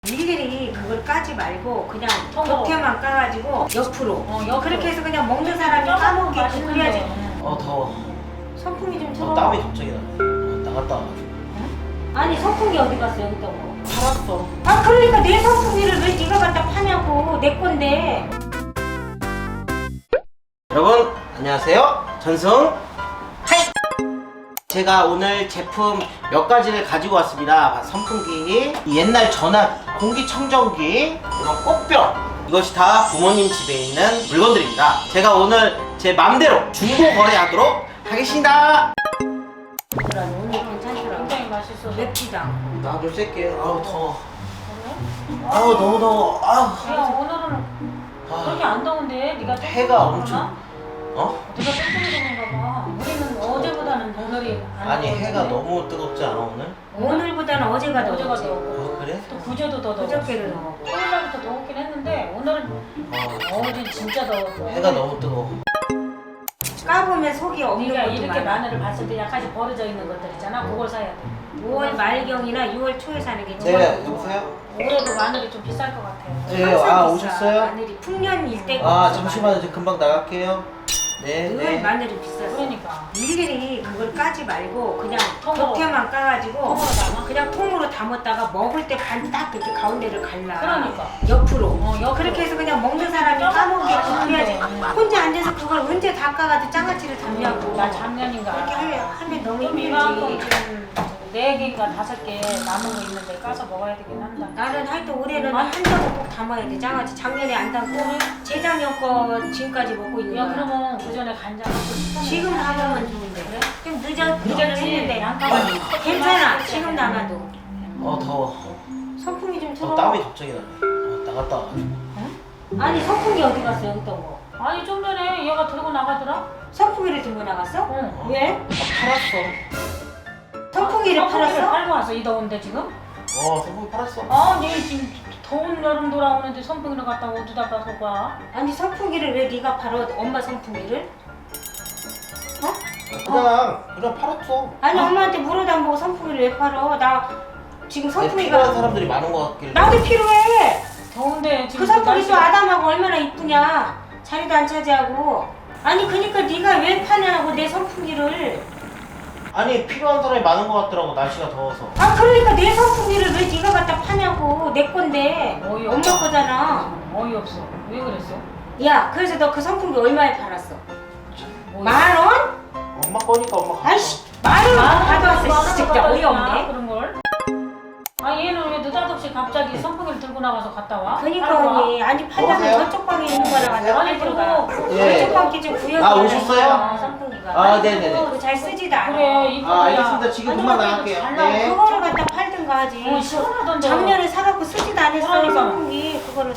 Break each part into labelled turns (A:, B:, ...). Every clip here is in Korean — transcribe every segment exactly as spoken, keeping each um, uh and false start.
A: 일일이 그걸 까지 말고 그냥
B: 통으로.
A: 겉에만 까가지고 옆으로.
B: 어, 옆으로.
A: 그렇게 해서 그냥 먹는 사람이 까먹게 그래야지.
C: 어 더워.
A: 선풍기 좀
C: 어,
A: 틀어.
C: 땀이 갑자기 나. 어, 나갔다 와가지고.
A: 아니 선풍기 어디 갔어 여기다 뭐.
C: 팔았어.
A: 아 그러니까 내 선풍기를 왜 네가 갖다 파냐고. 내 건데.
C: 여러분 안녕하세요. 전승. 하이. 제가 오늘 제품 몇 가지를 가지고 왔습니다. 선풍기, 옛날 전화기, 공기청정기, 이런 꽃병, 이것이 다 부모님 집에 있는 물건들입니다. 제가 오늘 제 맘대로 중고 거래하도록 하겠습니다.
A: 그래 오늘 괜찮더라.
B: 굉장히 맛있어.
A: 맵지도 않고.
C: 나도 쐴게. 아우 더워.
B: 그래?
C: 아우 너무 더워. 아우.
B: 야 오늘은 그렇게 안 더운데 네가 좀
C: 해가
B: 더운가
C: 엄청.
B: 봐?
C: 어?
B: 네가 뚱뚱해졌는가 봐. 우리는 어제보다는 오늘이 안
C: 아니
B: 더운데.
C: 해가 너무 뜨겁지 않아 오늘?
A: 오늘보다는 어제가 더
B: 어제가
A: 더웠지.
B: 더워.
C: 아 그래?
B: 또 그제도 더 더워.
A: 그저께도 더워.
B: 토요일날부터 더웠긴 했는데 오늘은
C: 아
B: 어제 진짜 더웠어.
C: 해가 너무 뜨거워.
A: 까보면 속이 없는
B: 네가
A: 것도
B: 이렇게
A: 많아.
B: 마늘을 봤을 때 약간씩 버려져 있는 것들 있잖아. 그걸 사야 돼.
A: 오월 말경이나 유월 초에 사는 게
C: 네
A: 제일
C: 여보세요?
B: 올해도 마늘이 좀 비쌀 것 같아요.
C: 네,
A: 항상
C: 아
A: 비싸.
C: 오셨어요?
A: 마늘이 풍년일 때가
C: 아
A: 없어,
C: 잠시만요.
A: 마늘이.
C: 저 금방 나갈게요. 네
A: 늘
C: 네.
A: 마늘이 비쌌어.
B: 그러니까
A: 일일이 그걸 까지 말고 그냥
B: 통으로.
A: 겉에만 까가지고
B: 통으로 담아?
A: 그냥 통으로 담았다가 먹을 때 반 딱 이렇게 가운데를 갈라.
B: 그러니까.
A: 옆으로.
B: 어, 옆으로.
A: 그렇게 해서 그냥 먹는 사람이 까먹게
B: 아,
A: 그래야지.
B: 네.
A: 혼자 앉아서 그걸 언제 다 까가지고 장아찌를 담냐고.
B: 나 작년인가
A: 그렇게 하면 하면 너무
B: 좀 이만큼
A: 힘들지.
B: 좀네 개인가 다섯 개 남은 거 있는데 까서 먹어야 되긴 한다.
A: 나는 하여튼 올해는 한 장은 꼭 담아야 돼. 장아찌 작년에 안 담고 재작년 거 지금까지 먹고 있는
B: 야
A: 거야.
B: 그러면 그 전에 간장
A: 지금 담으면 좋은데.
B: 그래?
A: 좀 늦어 늦어는 했는데
B: 양파는
A: 괜찮아. 지금 담아도.
C: 어 더워.
A: 선풍기 좀 틀어.
C: 어, 땀이 갑자기 나네. 어, 나갔다 와가지고.
A: 아니 선풍기 어디 갔어 여기 있던 거?
B: 아니 좀 전에 얘가 들고 나가더라.
A: 선풍기를 들고 나갔어?
B: 응.
A: 왜?
C: 아, 팔았어.
A: 선풍기를
B: 아, 선풍기를
A: 팔았어?
B: 팔고 왔어 이 더운데 지금?
C: 어 선풍기 팔았어.
B: 아얘 지금 더운 여름 돌아오는데 선풍기를 갖다 어디다 가서 가?
A: 아니 선풍기를 왜 네가 팔어? 엄마 선풍기를? 어?
C: 그냥 그냥 팔았어.
A: 아니 엄마한테 물어도 안 보고 선풍기를 왜 팔어? 나 지금
C: 네, 필요한
A: 선풍기가
C: 사람들이 많은 것 같길래.
A: 나도 필요해.
B: 더운데
A: 그
B: 지금
A: 선풍기도
B: 날씨가-
A: 아담하고 얼마나 이쁘냐. 자리도 안 차지하고. 아니 그니까 네가 왜 파냐고 내 선풍기를.
C: 아니 필요한 사람이 많은 것 같더라고 날씨가 더워서.
A: 아 그러니까 내 선풍기를 왜 네가 갖다 파냐고. 내 건데
B: 어이,
A: 엄마
B: 엄마.
A: 거잖아.
B: 어이없어. 왜 그랬어?
A: 야 그래서 너 그 선풍기 얼마에 팔았어?
B: 뭐
A: 만 원?
C: 엄마 거니까 엄마 갖고
A: 아이씨 만 원 가져왔어. 진짜 어이없네.
B: 그런 걸. 아 얘는 왜 느닷없이 갑자기 선풍기를 들고 나가서 갔다 와?
A: 그니까
B: 팔고 와?
A: 언니 아니 팔려면
C: 여보세요?
A: 저쪽 방에 있는 거라 갖다
B: 아니
A: 팔든가.
B: 그리고
C: 예.
A: 저쪽 방에 좀 구역이
C: 아, 오셨어요?
A: 선풍기가.
C: 아 네네네.
A: 그거 잘 쓰지도 않아.
B: 그래 이쁘야.
C: 아 알겠습니다. 지금
B: 아니,
C: 금방
B: 그래도
C: 나갈게요.
B: 잘 나와.
C: 네.
A: 그거를 갖다 팔든가 하지.
B: 어 시원하던데.
A: 작년에 사갖고 쓰지도 않았어
B: 그러니까.
A: 선풍기. 그거를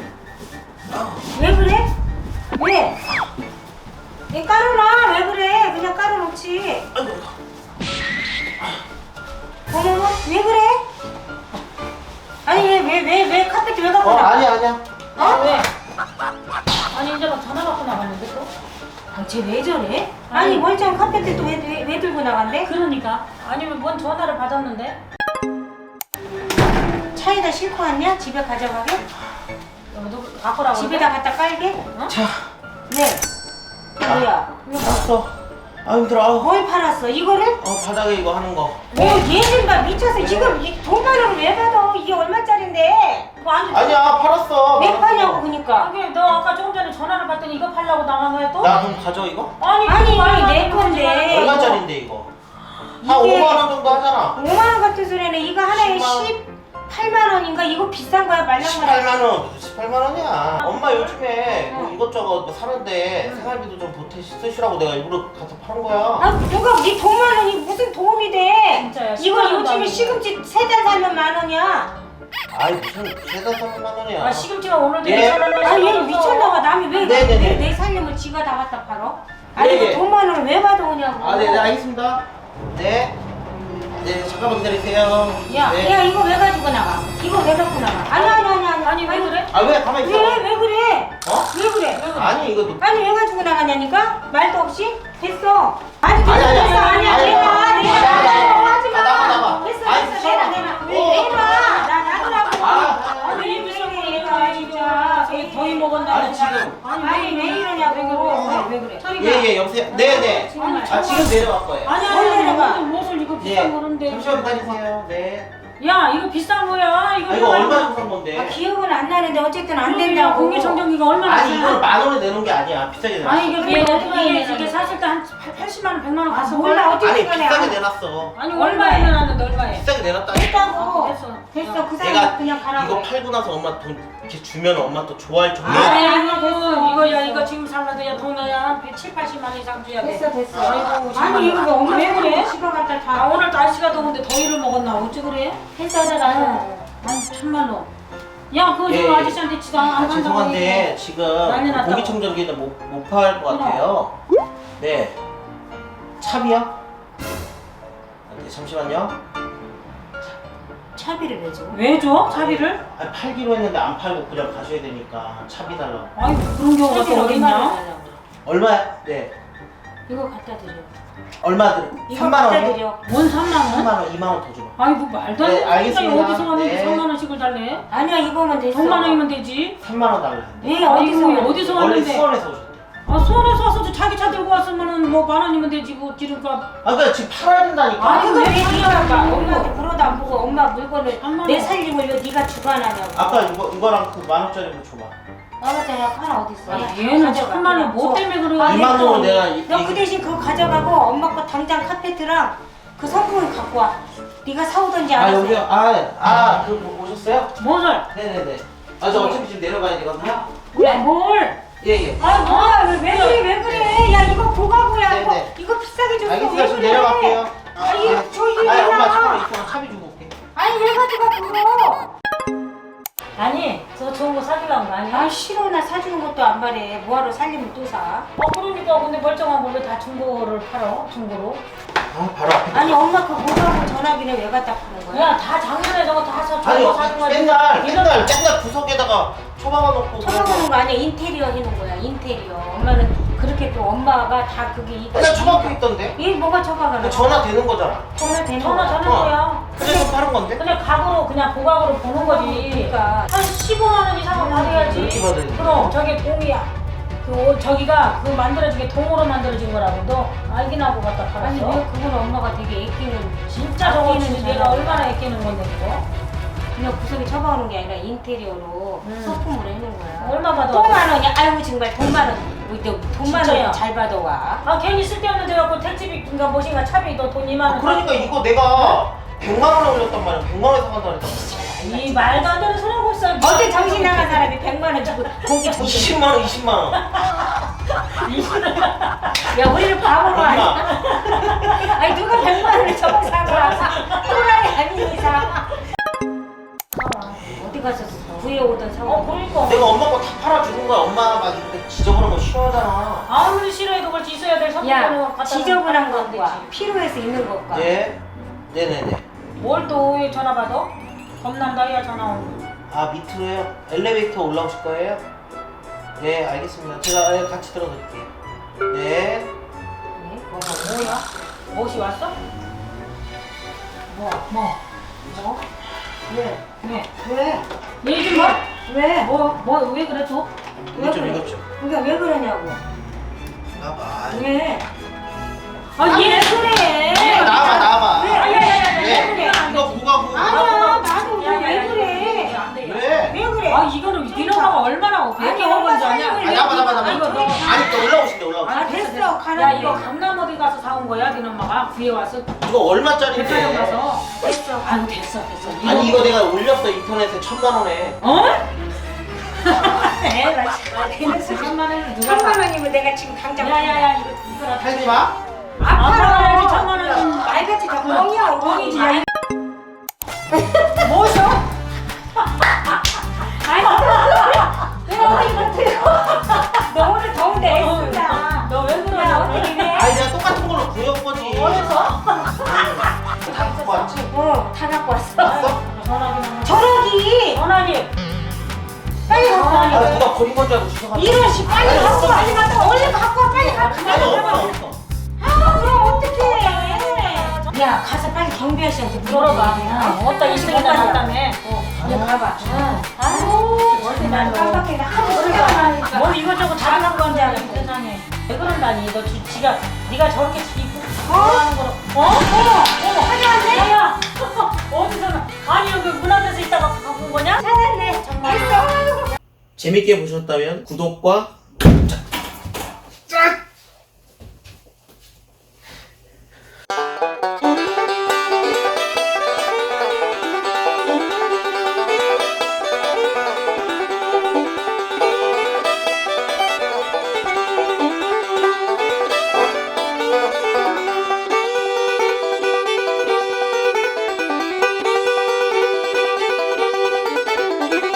A: 왜 그래? 왜? 왜 깔아놔? 왜 그래? 그냥 깔아놓지. 어머머 왜 그래? 아니 왜 왜 왜 왜 카페트 왜 갖고
C: 어
A: 나가?
C: 아니야 아니야.
B: 아 왜? 아니 이제 막 전화 받고 나갔는데 또?
A: 아, 쟤 왜 저래? 아니 멀쩡한 카페트 또 왜 왜 왜 들고 나간대?
B: 그러니까 아니면 뭔 전화를 받았는데?
A: 차에다 싣고 왔냐? 집에 가져가게?
B: 어, 누구 갖고 라고
A: 집에다 갖다 깔게?
B: 어?
C: 자
A: 네. 이게 뭐야? 이거 봐.
C: 팔았어. 아 힘들어. 아우.
A: 뭘 팔았어? 이거를?
C: 어 바닥에 이거 하는 거.
A: 오, 얘는 봐 미쳤어.
C: 네.
A: 지금 이 돈만 원을 왜 받아? 이게 얼마짜린데?
B: 뭐 안-
C: 아니야 팔았어.
A: 왜
C: 팔았어.
A: 파냐고 그니까.
B: 아니 너 아까 조금 전에 전화를 받더니 이거 팔라고 나간 거야 또?
C: 나 그럼 가져 이거?
B: 아니
A: 아니,
B: 그거 말도 안
A: 내
B: 되는
A: 건데.
B: 거지 말고.
C: 얼마짜린데 이거? 한
A: 이게-
C: 오만 원 정도 하잖아.
A: 오만 원 같은 소리는 이거 하나에
C: 십만 원.
A: 십팔만 원인가? 이거 비싼 거야 말랑말랑.
C: 십팔만 원. 십팔만 원이야. 엄마 요즘에 뭐
A: 어.
C: 이것저것 뭐 사는데 생활비도 좀 보태 쓰시라고 내가 일부러 가서 파는 거야.
A: 아 누가 네 돈만 원이 무슨 도움이 돼?
B: 진짜야,
A: 이거
B: 십만 원도
A: 요즘에
B: 아니고.
A: 시금치 세 단 사면 만 원이야.
C: 아이 무슨 세달 삼만 원이야.
B: 아 시금치가 오늘도
C: 예.
B: 이천 원을
A: 아니 얘
B: 사서.
A: 미쳤나봐. 남이 왜
C: 네네네.
A: 내 살림을 지가 다 갖다 팔어? 아니
C: 네,
A: 그
C: 네.
A: 돈만 원을 왜 받아오냐고.
C: 아, 네, 네, 알겠습니다. 네. 네, 잠깐만 기다리세요.
B: 야,
C: 네.
A: 야 이거 왜 가지고 나가? 이거 왜 갖고 나가? 아니 아니 아니 아니
B: 아니 왜 그래?
C: 아, 왜 가만히 있어?
A: 왜 왜 그래?
C: 어?
A: 왜 그래?
C: 아니, 이거 너-
A: 아니 왜 가지고 나가냐니까? 말도 없이? 됐어. 아니 됐어
C: 아니, 아니,
A: 됐어.
C: 아니,
A: 아니야
C: 아니,
A: 내놔
C: 아니,
A: 내놔
C: 아니, 아니,
A: 내놔
C: 아니,
A: 하지 마.
C: 나가, 나가.
A: 됐어
C: 아니,
A: 됐어
C: 무서워.
A: 내놔 내놔.
C: 어.
A: 내놔 나 놔두라고.
C: 아,
B: 돈이 먹었나?
C: 아니, 지금.
A: 아니 왜 이러냐고.
B: 왜, 왜 그래?
C: 예예 여보세요. 네네.
A: 정말.
C: 아 지금 내려갈 거예요.
B: 아니
A: 뭘
B: 아니
A: 내려가?
B: 아니 무슨 이거
C: 예.
B: 비싼 거는데.
C: 잠시만 기다리세요. 네.
B: 야 이거 비싼 거야. 이거
C: 아 이거
B: 얼마나-
C: 얼마 주는 건데?
A: 아, 기억은 안 나는데 어쨌든 안
B: 그러니까
A: 된다고.
B: 공기청정기가 얼마나
C: 아니
B: 비싸?
C: 이걸 만 원에 내는 게 아니야. 비싸게 내놨어.
B: 아니 이게
A: 그래,
B: 이게
A: 얼마나
B: 이게,
A: 내놨는데?
B: 이게 사실 때한 팔십만 원, 백만 원
A: 아,
B: 갔어.
A: 몰라, 어떻게
C: 아니
A: 이거냐.
C: 비싸게 내놨어.
B: 아니 얼마에 내놨는데 얼마에?
C: 비싸게 내놨다니까.
A: 됐다고.
B: 됐어.
A: 됐어. 그
C: 내가
A: 사람 그냥 가라고.
C: 이거 팔고 나서 엄마 돈 이렇게 주면 엄마 또 좋아할 정도.
A: 아,
B: 아이고
A: 됐어.
B: 이거 야 이거 지금 살라도 야 돈이야 한 칠, 팔십만 원 이상 줘야 돼.
A: 됐어 됐어.
B: 아이고,
A: 아니 이거 왜 엄마
B: 왜 그래?
A: 집어 갖다
B: 아
A: 다.
B: 오늘 날씨가 더운데 더위를 먹었나 어찌 그래?
A: 회사다가.
B: 아니 참말로. 야 그거
C: 예,
B: 저
C: 예.
B: 아저씨한테 지도 안
C: 아,
B: 간다고
C: 죄송한데
B: 얘기해.
C: 지금
B: 난리 났다고.
C: 공기청정기는 못 못 팔 것 같아요. 네. 차비요? 아, 네, 잠시만요.
A: 차비를 왜 줘?
B: 왜 줘? 차비를?
C: 아, 팔기로 했는데 안 팔고 그냥 가셔야 되니까 차비 달라고.
B: 아이 그런 경우가 또
A: 차비를 얼마나
B: 어딨냐?
A: 달라고.
C: 얼마야? 네.
A: 이거 갖다 드려.
C: 얼마 들?
A: 이거
C: 삼만
A: 갖다
C: 원이요?
A: 드려.
B: 뭔 삼만 원?
C: 삼만 원, 이만 원 더 줘봐.
B: 아이고 말도 안
C: 네,
B: 돼.
C: 알겠습니다.
B: 어디서 왔는데
C: 네.
B: 삼만 원씩을 달래?
A: 아니야 이거면 됐어.
B: 백만 원이면 되지.
C: 삼만 원 달라는데.
A: 왜 어디서?
B: 아이고, 어디서
C: 원래
B: 왔는데?
C: 수원에서 오셨대.
B: 아 수원에서 와서 자기 차 들고 왔으면은 뭐 만 원이면 되지 그 기름값.
C: 아, 그러니까 지금 팔아야 된다니까.
A: 아 그거
B: 왜
A: 왜 네가
B: 팔아?
A: 봐. 엄마한테 물어도 안 보고 엄마 물건을
B: 삼만
A: 내
B: 원.
A: 살림을 왜 네가 주관하냐고.
C: 아까 이거 이거랑 그 만 원짜리 뭐 줘봐.
A: 나한테 하나 어디 있어?
B: 아, 얘는 참말로 뭐 때문에 그래?
A: 아,
C: 이만
A: 됐어.
C: 원을 내가 이-
A: 너 그
C: 이-
A: 대신 그거 가져가고 엄마 거 당장 카페트랑 그 성분 갖고 와. 네가 사오던지
C: 아,
A: 알아서.
C: 여기요. 아, 아, 그 뭐, 오셨어요?
B: 뭐를?
C: 네네네. 아, 저 어차피 지금 내려가야 되거든요.
B: 왜 뭘?
C: 예, 예.
A: 아 뭐야 왜, 왜 그래 왜 그래? 야 이거 보가구야
C: 네,
A: 이거
C: 네.
A: 이거 비싸게 줬어.
C: 알겠습니다.
A: 왜
C: 지금
A: 그래?
C: 내려갈게요.
A: 아니
C: 네.
A: 저기
C: 아니, 엄마
A: 있잖아.
C: 잠깐만 이따가 차비 주고 올게.
A: 아니 왜 가져가 그거?
B: 아니 저 좋은 거 사주려는 거 아니야?
A: 아 싫어 나 사주는 것도 안 바래. 뭐하러 살림을 또 사?
B: 어 그러니까 근데 멀쩡한 걸 왜 다 중고를 팔어? 중고로?
C: 아, 바로 앞에.
A: 아니 엄마 그 보가구 전화기는 왜 갖다 파는 거야?
B: 야 다 작년에 저거 다 사.
C: 아니,
B: 중고 사준 거지.
C: 맨날,
B: 이런-
C: 맨날, 맨날 구석에다가 처박아 놓고.
A: 쳐박는 거 아니야 인테리어 해놓은 거야 인테리어. 엄마는 그렇게 또 엄마가 다 그게 이거.
C: 맨날 처박혀 있던데?
A: 이 뭐가 쳐박아?
C: 전화 되는 거잖아.
A: 전화 되는
B: 전화
A: 거야.
B: 되는
C: 어.
B: 거야.
C: 그래서 파는 건데?
B: 그냥 각으로 그냥 보각으로 보는 거지.
A: 그러니까.
B: 한 십오만 원 이상은 받아야지.
C: 그렇게 받아야 돼.
B: 그럼 저게 동이야. 그 옷, 저기가 그 만들어진 게 동으로 만들어진 거라고 너 알긴 하고 갖다
A: 아니
B: 팔았어.
A: 왜 그걸 엄마가 되게 애끼는
B: 진짜 저거
A: 아끼는
B: 진짜 내가
A: 잘하는
B: 얼마나
A: 거야.
B: 아끼는 건데 그거.
A: 그냥 구석에 쳐박는 게 아니라 인테리어로
B: 음.
A: 소품으로 해놓은 거야.
B: 얼마 받아?
A: 돈만 원이야. 아이고 정말 돈만 원. 우리 또 돈만
B: 진짜야.
A: 원 잘 받아와.
B: 아 괜히 쓸데없는 데 갖고 택지비인가 뭐신가 차비 너 돈 이만
C: 아,
B: 원.
C: 그러니까 이거 내가 백만 원에 올렸단 말이야. 백만 원에 사간다 그랬단 말이야.
B: 이 말도 안 되는 소리 하고 있어.
A: 어때 정신 나간 사람이 백만 원 주고 공기 정신.
C: 이십만 원, 이십만 원.
A: 야 우리는 바보가 아니야. 아니 누가 백만 원을 저거 사고 또라이 아닌 이상. 어디 가서 구해오던
B: 어
A: 상황.
B: 그러니까.
C: 내가 엄마 거 다 팔아주는 거야. 엄마 막 이렇게 지저분한 거 싫어하잖아.
B: 아무리 싫어해도 그렇지 있어야 될 성품을
A: 야
B: 갖다
A: 지저분한
B: 놓으면 안
A: 것과
B: 되지.
A: 필요해서 있는 것과.
C: 네. 네네네.
B: 뭘 또 왜 전화 받아? 겁난다 야 전화 오고.
C: 아, 밑으로요? 엘리베이터 올라오실 거예요? 네, 알겠습니다. 제가 같이 들어드릴게요. 네.
A: 네?
B: 뭐가 뭐야? 무엇이 왔어? 뭐? 뭐? 뭐?
A: 왜?
B: 왜?
A: 왜?
B: 얘 좀 봐.
A: 왜?
B: 뭐? 뭐? 왜 그래 또?
C: 이것 좀, 이것 좀.
A: 그러니까 왜 그러냐고.
C: 나와봐.
A: 왜?
B: 아,
A: 아,
B: 얘
A: 왜 그래?
C: 아, 나와봐, 나와봐.
A: 왜? 아니, 아니, 아니, 아니,
C: 네.
A: 왜 그래?
C: 이거 보가고.
A: 아니야, 나도 왜 그래?
B: 안 돼.
C: 왜?
A: 왜 그래?
B: 아 이거는 네 엄마가 얼마나
A: 아니,
B: 백개
A: 엄마
B: 먹은 줄 아냐?
A: 살림을
C: 아, 나봐, 나봐, 나봐.
B: 아니, 이거 너-
C: 아니, 또 올라오신대, 올라오신대.
A: 아, 됐어, 가라.
B: 야 이거 강남 어디 가서 사온 거야? 네 엄마가 구해 왔어.
C: 이거 얼마짜리인데?
B: 백화점 가서.
A: 됐어.
B: 아유 됐어 됐어.
C: 아니, 이거 내가 올렸어, 인터넷에 천만 원에.
B: 어?
A: 에라, 아, 됐어.
B: 천만 원을 누가
A: 천만
B: 사?
A: 원이면 내가 지금 당장.
B: 야야야 이거 이거
C: 팔지 마.
A: 아파라.
B: 천만 원은
A: 말같이 다 뻥이야,
B: 뻥이지.
A: 뻥이지.
B: 뭐셔?
A: 아니, 왜 이거 들어? 너 오늘 더운데 애쓴다.
B: 너왜 그러냐?
A: 야, 어떻게 해?
C: 아니, 내가 똑같은 걸로 구해온 거지.
B: 어디서?
C: 다 갖고 왔지?
A: 어, 다 갖고 왔어.
C: 왔어?
B: 전화기는
A: 전화기.
B: 전화기.
A: 빨리 갖고 와.
C: 아, 누가 버린 건 줄 알고 주워갔다.
A: 이런 씨 빨리
C: 아니,
A: 갖고
C: 없어,
A: 와.
C: 아니,
A: 빨리 얼른 갖고 와. 빨리 갖고 와.
C: 아니, 없어, 없어.
A: 아, 그럼 어떡해. 야, 가서 빨리 경비 아저씨한테 물어봐.
B: 물어봐. 어따 이십이나 났다며.
A: 어, 너 가봐. 아유,
B: 어디
A: 난
B: 말로.
A: 깜빡이가 하도
B: 그러니까.
A: 생각
B: 뭘 이것저것 다 갖고 간지 않아 세상에. 왜 그런다니 너 지, 지가 네가 저렇게 입고 좋아하는 거로 어? 어머 어머
A: 가져왔네?
B: 야야 어디서 나 아니 여기 문 앞에서 있다가 갖고 온 거냐?
A: 찾았네 정말.
C: 재밌게 보셨다면 구독과